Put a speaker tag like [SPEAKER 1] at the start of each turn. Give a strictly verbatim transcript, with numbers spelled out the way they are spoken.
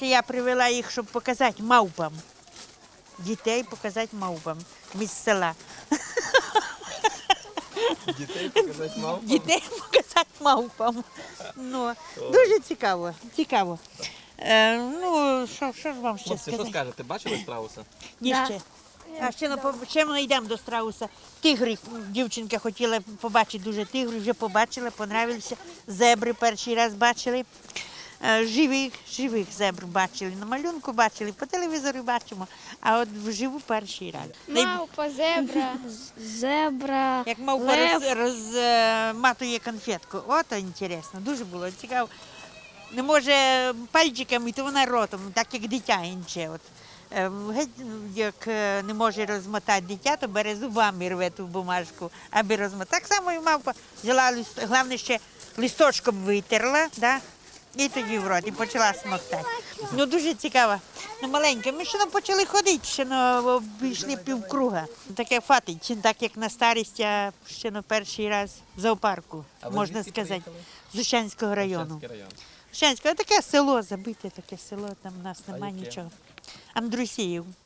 [SPEAKER 1] це я привела їх, щоб показати мавпам. Дітей показати мавпам. Ми з села.
[SPEAKER 2] Дітей показати мавпам?
[SPEAKER 1] Дітей показати мавпам. Ну, дуже цікаво, цікаво. Е, ну, що, що ж вам ще
[SPEAKER 2] Хлопці, що
[SPEAKER 1] сказати?
[SPEAKER 2] скажете, бачили страуса?
[SPEAKER 1] Ні,
[SPEAKER 3] Да.
[SPEAKER 1] ще. А ще, ну, по- ще ми йдемо до страуса. Тигри, дівчинка хотіла побачити дуже тигрів, вже побачила, понравилися. Зебри перший раз бачили. Е, Живих, живих зебр бачили. На малюнку бачили, по телевізору бачимо, а от вживу перший раз. Най-
[SPEAKER 3] Мавпа, зебра, зебра,
[SPEAKER 1] Як мавпа
[SPEAKER 3] лев.
[SPEAKER 1] роз, розматує конфетку. Ото інтересно, дуже було цікаво. Не може пальчиками, то вона ротом, так як дитя інше. От. Е, геть, як е, не може розмотати дитя, то бере зубами рве ту бумажку, аби розмотати. Так само і мавпа взяла лист, головне ще листочком витерла, да? І тоді в рот, і почала смоктати. Ну дуже цікаво. Ну маленька, ми ще не почали ходити, ще не обійшли півкруга. Таке фатить, так як на старість, а ще на перший раз в зоопарку,
[SPEAKER 2] А ви
[SPEAKER 1] можна
[SPEAKER 2] звідки
[SPEAKER 1] сказати,
[SPEAKER 2] приїхали?
[SPEAKER 1] з Ущанського району.
[SPEAKER 2] Шевченський район.
[SPEAKER 1] Ущанське, таке село, забите таке село, там в нас
[SPEAKER 2] А
[SPEAKER 1] немає
[SPEAKER 2] яке?
[SPEAKER 1] нічого. Андрусіїв.